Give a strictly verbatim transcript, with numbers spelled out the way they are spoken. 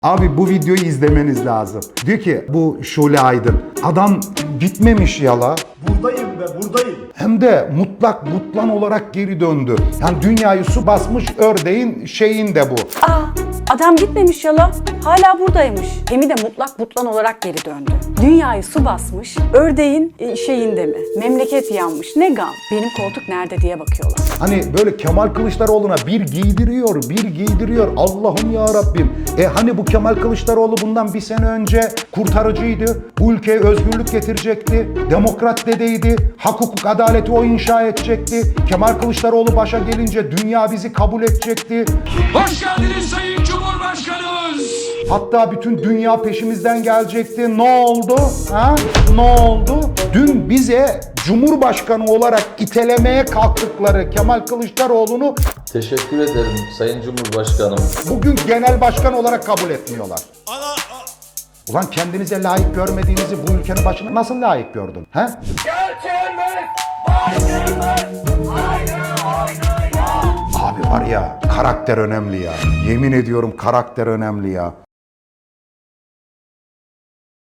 Abi bu videoyu izlemeniz lazım. Diyor ki bu Şule Aydın. Adam gitmemiş yala. Buradayım ve buradayım. Hem de mutlak mutlan olarak geri döndü. Yani dünyayı su basmış ördeğin şeyinde bu. Aa, adam gitmemiş yala, hala buradaymış. Hem de mutlak mutlan olarak geri döndü. Dünyayı su basmış, ördeğin e, şeyinde mi? Memleket yanmış, ne gam? Benim koltuk nerede diye bakıyorlar. Hani böyle Kemal Kılıçdaroğlu'na bir giydiriyor, bir giydiriyor. Allah'ım ya Rabbim. E hani bu Kemal Kılıçdaroğlu bundan bir sene önce kurtarıcıydı. Bu ülkeye özgürlük getirecekti. Demokrat dedeydi. Hak, hukuk, adaleti o inşa edecekti. Kemal Kılıçdaroğlu başa gelince dünya bizi kabul edecekti. Hoş geldiniz Sayın Cumhurbaşkanımız. Hatta bütün dünya peşimizden gelecekti. Ne oldu? Ha? Ne oldu? Dün bize Cumhurbaşkanı olarak itelemeye kalktıkları Kemal Kılıçdaroğlu'nu Teşekkür ederim Sayın Cumhurbaşkanım. bugün genel başkan olarak kabul etmiyorlar. Ulan kendinize layık görmediğinizi bu ülkenin başına nasıl layık gördün? He? Abi var ya, karakter önemli ya. Yemin ediyorum karakter önemli ya.